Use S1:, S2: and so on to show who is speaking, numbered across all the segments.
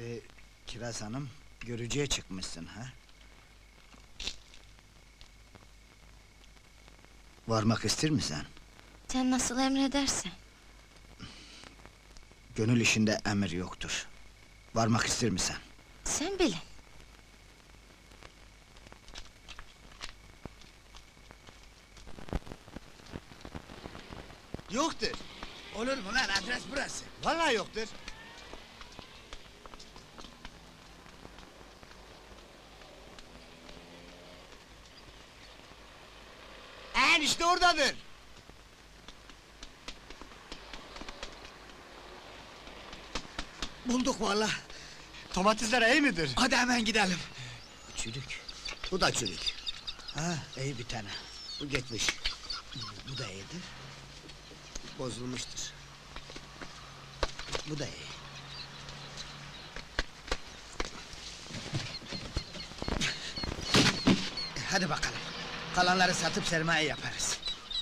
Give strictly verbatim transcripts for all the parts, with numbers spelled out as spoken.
S1: Ee, Kiraz Hanım, görücüye çıkmışsın ha? Varmak ister misin?
S2: Sen nasıl emredersen.
S1: Gönül işinde emir yoktur. Varmak ister misin?
S2: Sen bilin.
S3: Yoktur.
S1: Olur mu lan, adres burası.
S3: Vallahi yoktur. En işte oradadır.
S1: Bulduk vallahi.
S3: Domatesler iyi midir?
S1: Hadi hemen gidelim. Çürük.
S3: Bu da çürük.
S1: Ha, iyi bir tane.
S3: Bu geçmiş.
S1: Bu, bu da iyidir.
S3: Bozulmuştur.
S1: Bu da iyi. Hadi bakalım. Kalanları satıp sermaye yaparız.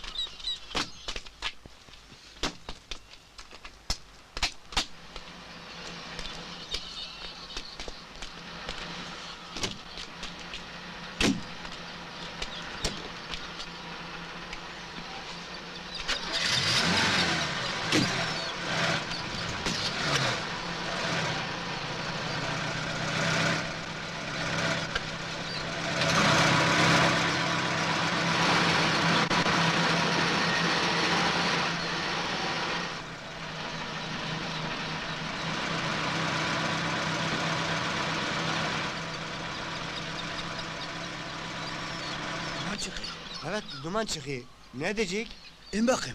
S1: Aman çıkıyor.
S3: Evet, duman çıkıyor. Ne diyecek?
S1: İn bakayım.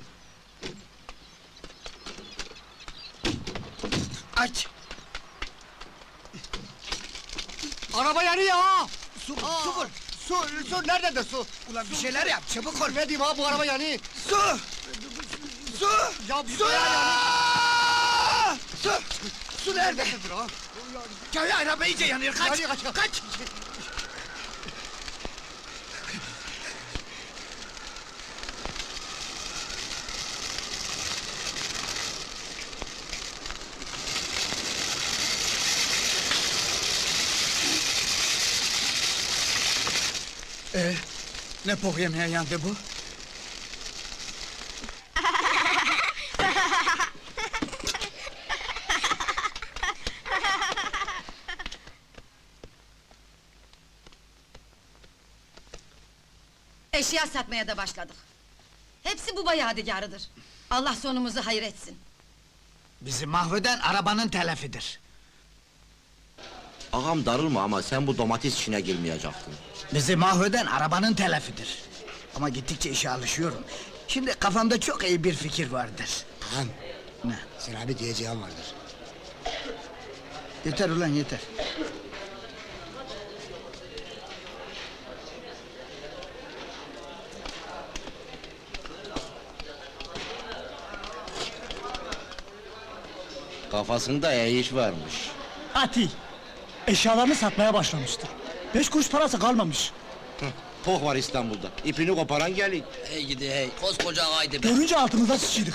S1: Aç!
S3: Araba yanıyor ha!
S1: Su,
S3: Aa,
S1: su vur!
S3: Su, su nerededir su?
S1: Ulan bir şeyler yap, çabuk ol!
S3: Ne diyeyim ha, bu araba yanıyor.
S1: Su! Su!
S3: Ya bir
S1: Su!
S3: bayağı yanıyor.
S1: Su! Su nerede?
S3: Nerededir ha?
S1: Köy araba iyice yanıyor, kaç!
S3: Yanıyor, kaç,
S1: kaç! Ee, ne pok yemeğe yandı bu?
S4: Eşya satmaya da başladık. Hepsi bu yadigarıdır. Allah sonumuzu hayır etsin.
S1: Bizi mahveden arabanın telafidir.
S5: Ağam darılma ama sen bu domates işine girmeyecektin.
S1: Bizi mahveden arabanın telafidir. Ama gittikçe işe alışıyorum. Şimdi kafamda çok iyi bir fikir vardır.
S3: Ağam,
S1: Ne?
S3: sana bir diyeceğim vardır.
S1: Yeter ulan yeter.
S5: Kafasında iyi iş varmış.
S6: Ati, eşyalarını satmaya başlamıştır. Beş kuruş parası kalmamış.
S5: Poh var İstanbul'da, ipini koparan gelin.
S7: Hey gidi hey, koskoca ağaydı be!
S6: Görünce altımıza sıçıydık.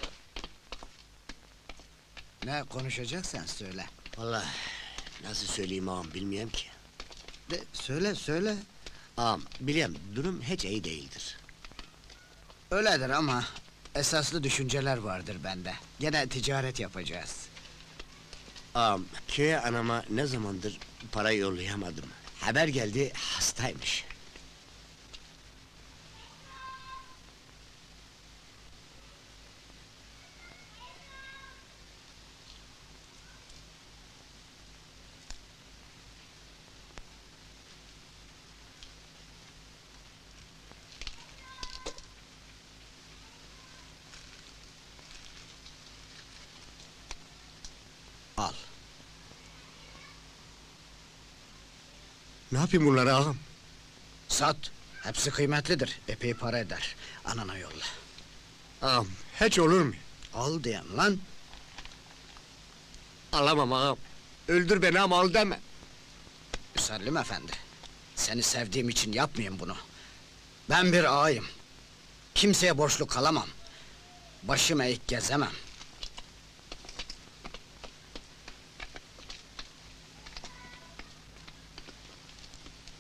S1: Ne konuşacaksan söyle.
S3: Vallahi nasıl söyleyeyim ağam, bilmiyorum ki.
S1: De, söyle söyle.
S3: Ağam, biliyorum, durum hiç iyi değildir.
S1: Öyledir ama esaslı düşünceler vardır bende. Gene ticaret yapacağız.
S3: Ağam, köye anama ne zamandır para yollayamadım. Haber geldi, hastaymış.
S1: Al.
S3: Ne yapayım bunları ağam?
S1: Sat. Hepsi kıymetlidir. Epey para eder. Anana yolla.
S3: Ağam, hiç olur mu?
S1: Al diyen lan.
S3: Alamam ağam. Öldür beni ama al deme.
S1: Müsellim efendi. Seni sevdiğim için yapmayayım bunu. Ben bir ağayım. Kimseye borçlu kalamam. Başım eğik gezemem.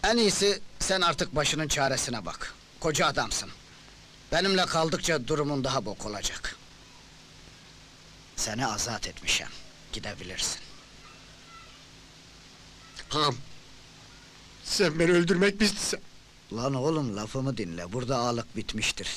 S1: En iyisi sen artık başının çaresine bak. Koca adamsın. Benimle kaldıkça durumun daha bok olacak. Seni azat etmişim. Gidebilirsin.
S3: Ağam, sen beni öldürmek mi istiyorsun?
S1: Lan oğlum lafımı dinle. Burada ağalık bitmiştir.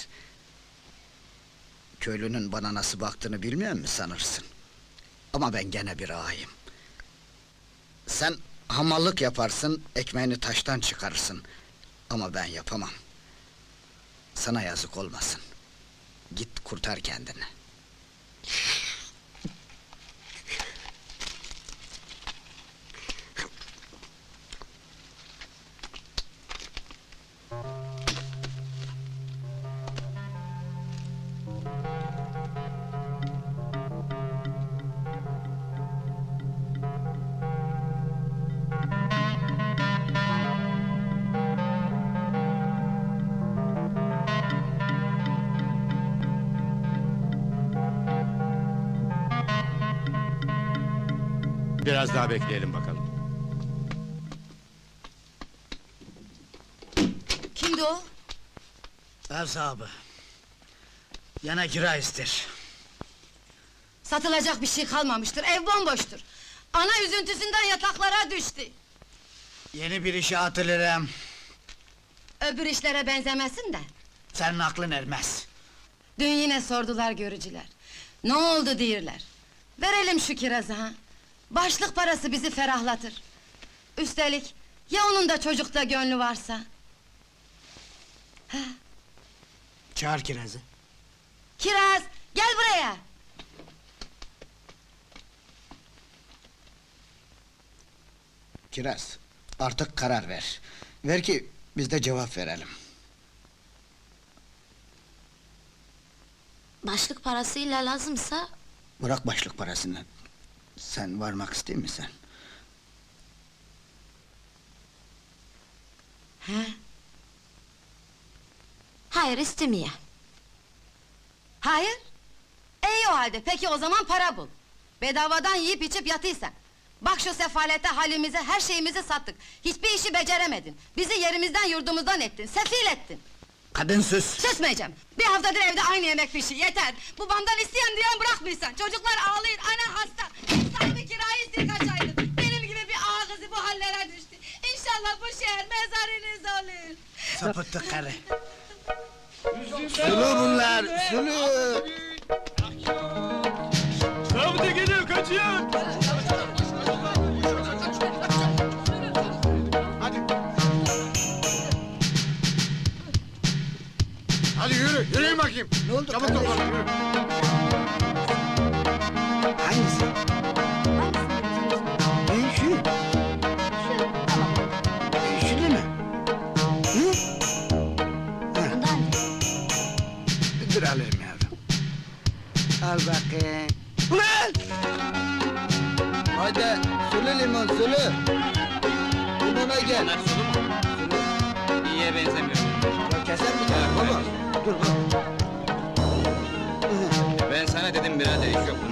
S1: Köylünün bana nasıl baktığını bilmiyor musun sanırsın? Ama ben gene bir ağayım. Sen hamallık yaparsın, ekmeğini taştan çıkarırsın. Ama ben yapamam. Sana yazık olmasın. Git kurtar kendini.
S3: Biraz daha bekleyelim bakalım.
S4: Kimdi o?
S1: Ev sahibi. Yana kira ister.
S4: Satılacak bir şey kalmamıştır, ev bomboştur. Ana üzüntüsünden yataklara düştü.
S1: Yeni bir işe atılırım.
S4: Öbür işlere benzemesin de.
S1: Senin aklın ermez.
S4: Dün yine sordular görücüler. Ne oldu diyorlar. Verelim şu kirazı ha. Başlık parası bizi ferahlatır. Üstelik ya onun da çocukta gönlü varsa?
S1: Çağır kirazı.
S4: Kiraz, gel buraya!
S1: Kiraz, artık karar ver. Ver ki biz de cevap verelim.
S2: Başlık parasıyla lazımsa...
S1: Bırak başlık parasını. Sen varmak ister misin?
S4: He?
S2: Hayır, istemiyor.
S4: Hayır? İyi o halde, peki o zaman para bul. Bedavadan yiyip içip yatıysan. Bak şu sefalete halimize, her şeyimizi sattık. Hiçbir işi beceremedin. Bizi yerimizden yurdumuzdan ettin, sefil ettin.
S1: Kadın sus!
S4: Susmayacağım! Bir haftadır evde aynı yemek pişi, yeter! Babamdan isteyen diyen bırakmıyorsan, çocuklar ağlayın, ana hasta! Sahibi kirayı istiyor kaç aydır! Benim gibi bir ağa kızı bu hallere düştü! İnşallah bu şehir mezarınız olur!
S1: Sapıttı karı! Sulu bunlar, sulu!
S6: Rabıta geliyor, kaçıyor!
S3: Hadi yürü, yürüyün bakayım.
S1: Ne oldu
S3: Çabuk
S1: kardeşim?
S3: toplanın, yürü.
S1: Hangisi? Ben şu. E, şu değil mi? Hı? Ha. Dur alayım yavrum. Al bakayım. Ulan! Hadi, sulu limon, sulu. Limona gel.
S7: Sulu mu?
S1: Sulu.
S7: İyiye benzemiyor.
S1: Ya keser mi baba? Dur bak.
S7: Ben sana dedim birader iş yok.